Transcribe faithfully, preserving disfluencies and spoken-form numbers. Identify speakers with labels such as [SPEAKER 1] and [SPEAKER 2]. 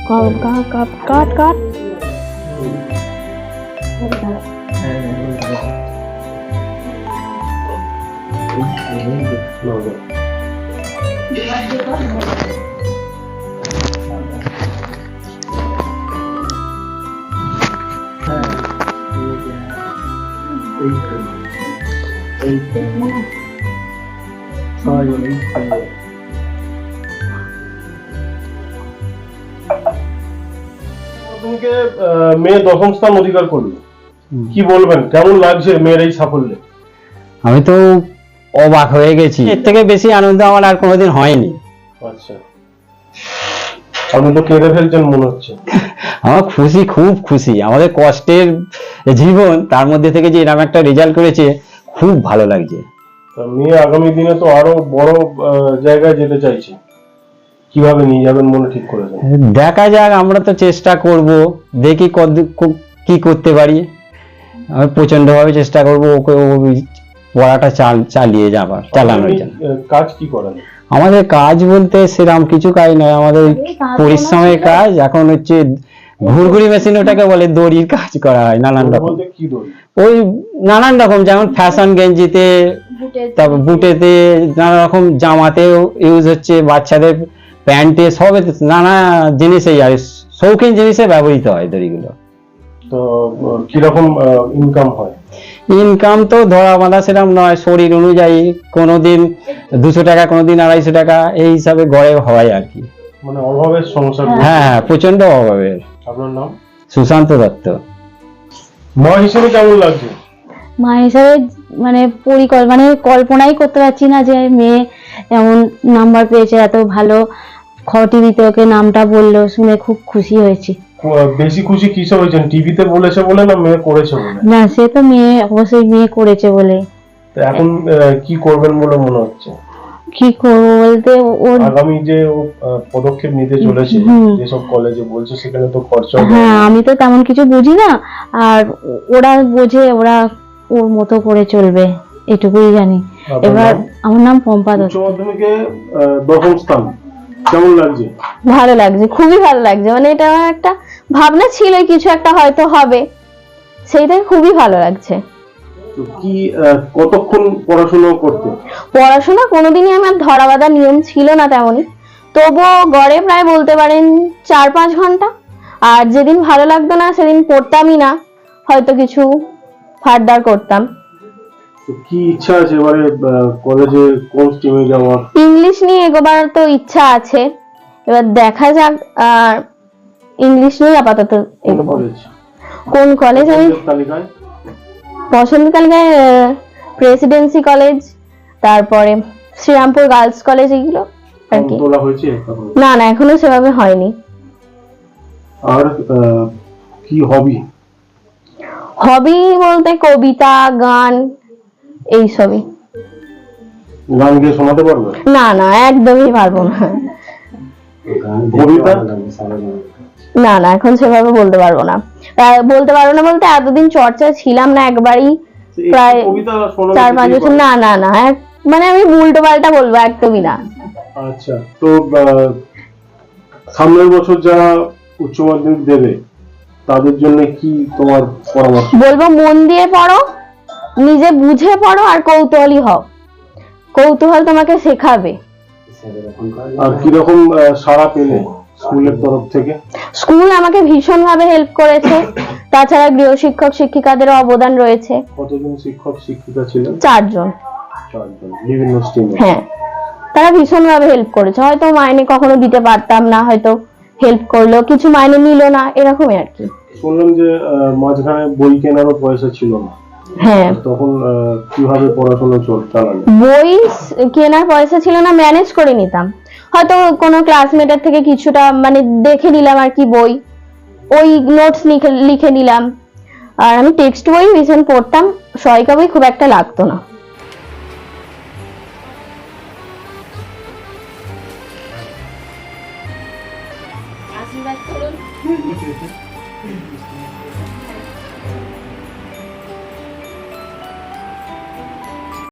[SPEAKER 1] কাট কাট কাট কাট
[SPEAKER 2] মেয়ে দশম স্থান অধিকার করলো, কি বলবেন, কেমন লাগছে মেয়ের এই সাফল্যে?
[SPEAKER 3] আমি তো অবাক হয়ে গেছি, এর থেকে বেশি আনন্দ আমার আর কোনোদিন হয়নি।
[SPEAKER 2] আচ্ছা, আপনি তো কেঁদে ফেলছেন মনে হচ্ছে।
[SPEAKER 3] আমার খুশি, খুব খুশি। আমাদের কষ্টের জীবন, তার মধ্যে থেকে যে এরকম একটা রেজাল্ট করেছে, খুব ভালো লাগছে।
[SPEAKER 2] মেয়ে আগামী দিনে তো আরো বড় জায়গায় যেতে চাইছে, কিভাবে নিয়ে যাবেন মনে ঠিক করেছেন?
[SPEAKER 3] দেখা যাক, আমরা তো চেষ্টা করব, দেখি কত কি করতে পারি। আমি প্রচন্ড ভাবে চেষ্টা করব ওকে পড়াটা চালিয়ে যাবার চালানোর জন্য।
[SPEAKER 2] কাজ কি করেন?
[SPEAKER 3] আমাদের কাজ বলতে সেরকম কিছু কাজ নয়, আমাদের পরিশ্রমের কাজ। এখন হচ্ছে ঘুরঘুরি মেশিন, ওটাকে বলে, দড়ির কাজ করা হয় নানান রকম। ওই নানান রকম, যেমন ফ্যাশন গেঞ্জিতে, তারপর বুটেতে, নানা রকম জামাতেও ইউজ হচ্ছে, বাচ্চাদের প্যান্টে, সবে নানা জিনিসেই আর শৌখিন জিনিসে ব্যবহৃত হয় দড়িগুলো।
[SPEAKER 2] তো কিরকম ইনকাম হয়?
[SPEAKER 3] ইনকাম তো ধরা বাঁধা সেরকম নয়, শরীর অনুযায়ী, কোনোদিন দুশো টাকা, কোনোদিন আড়াইশো টাকা, এই হিসাবে গড়ে হয় আর কি।
[SPEAKER 2] মানে অভাবের সংসার?
[SPEAKER 3] হ্যাঁ হ্যাঁ, প্রচন্ড অভাবের।
[SPEAKER 2] আপনার নাম?
[SPEAKER 3] সুশান্ত দত্ত।
[SPEAKER 2] মা হিসেবে কেমন লাগছে?
[SPEAKER 1] মা হিসাবে মানে পরিকল্পনা মানে কল্পনাই করতে পারছি না যে মেয়ে এমন নাম্বার পেয়েছে, এত ভালো টিভিতে ওকে নামটা বললো, শুনে খুব খুশি হয়েছি।
[SPEAKER 2] বেশি খুশি কিসে হয়েছেন, টিভিতে বলেছে বলে না মেয়ে করেছে বলে?
[SPEAKER 1] না, সে তো মেয়ে, অবশ্যই মেয়ে করেছে বলে।
[SPEAKER 2] এখন কি করবেন বলে মনে হচ্ছে?
[SPEAKER 1] কি করবো বলতে, ওর
[SPEAKER 2] আগামী যে পদক্ষেপ নিতে চলেছে, যেসব কলেজে বলছে, সেখানে তো খরচা।
[SPEAKER 1] হ্যাঁ, আমি তো তেমন কিছু বুঝি না, আর ওরা বোঝে, ওরা ওর মতো করে চলবে, এটুকুই জানি। এবার আমার নাম পম্পা দত্ত।
[SPEAKER 2] উচ্চ মাধ্যমিকে দশম স্থান, কেমন লাগছে?
[SPEAKER 1] ভালো লাগছে, খুবই ভালো লাগছে। মানে এটা আমার একটা ভাবনা ছিল, কিছু একটা হয়তো হবে, সেইটাই খুবই ভালো লাগছে।
[SPEAKER 2] তো কি কতক্ষণ পড়াশোনা করতে?
[SPEAKER 1] পড়াশোনা কোনোদিনই আমার ধরা বাঁধা নিয়ম ছিল না তেমনই, তবুও গড়ে প্রায় বলতে পারেন চার পাঁচ ঘন্টা। আর যেদিন ভালো লাগতো না সেদিন পড়তামই না, হয়তো কিছু ফার্দার করতাম।
[SPEAKER 2] তো কি ইচ্ছা আছে এবারে কলেজে কোন স্ট্রিমে যাওয়ার?
[SPEAKER 1] ইংলিশ নিয়ে এগোবার তো ইচ্ছা আছে, এবার দেখা যাক। আর ইংলিশ নিয়ে আপাতত এগোবো। কোন কলেজ? আমি পছন্দ তালিকায় প্রেসিডেন্সি কলেজ, তারপরে শ্রীরামপুর গার্লস কলেজ, এগুলো আর কি। না না, এখনো সেভাবে হয়নি।
[SPEAKER 2] আর কি হবি?
[SPEAKER 1] হবি বলতে কবিতা, গান, এই সবই।
[SPEAKER 2] গান গিয়ে শোনাতে পারবে?
[SPEAKER 1] না না, একদমই পারবো না।
[SPEAKER 2] কবিতা?
[SPEAKER 1] না না, এখন সেভাবে বলতে পারবো না। বলতে পারবো না বলতে, এতদিন চর্চা ছিলাম না একবারই, প্রায় চার পাঁচ বছর। না না না, মানে আমি উল্টো পাল্টা বলবো, একদমই না।
[SPEAKER 2] আচ্ছা, তো সামনের বছর যারা উচ্চ মাধ্যমিক দেবে, তাদের জন্য কি তোমার পরামর্শ?
[SPEAKER 1] বলবো মন দিয়ে পড়ো, নিজে বুঝে পড়ো, আর কৌতূহলী হও। কৌতূহল তোমাকে শেখাবে।
[SPEAKER 2] আর কিরকম সাড়া পেলে স্কুলের তরফ থেকে?
[SPEAKER 1] স্কুল আমাকে ভীষণ ভাবে হেল্প করেছে, তাছাড়া গৃহ শিক্ষক শিক্ষিকাদের অবদান রয়েছে।
[SPEAKER 2] কতজন শিক্ষক শিক্ষিকা ছিলেন?
[SPEAKER 1] চারজন।
[SPEAKER 2] চারজন, বিভিন্ন স্ট্রিমে।
[SPEAKER 1] হ্যাঁ, তারা ভীষণ ভাবে হেল্প করেছে। হয়তো মাইনে কখনো দিতে পারতাম না, হয়তো হেল্প করলো, কিছু মাইনে নিল না, এরকমই আর কি।
[SPEAKER 2] শুনলাম যে মাঝখানে বই কেনারও পয়সা ছিল না।
[SPEAKER 1] হ্যাঁ,
[SPEAKER 2] তখন কিভাবে পড়াশোনা চালালে?
[SPEAKER 1] বই কেনার পয়সা ছিল না, ম্যানেজ করে নিতাম। হয়তো কোনো ক্লাসমেটের থেকে কিছুটা মানে দেখে নিলাম আর কি বই, ওই নোটস লিখে লিখে নিলাম। আর আমি টেক্সট বই ভীষণ পড়তাম, সহায়িকা বই খুব একটা লাগতো না। আশীর্বাদ করুন।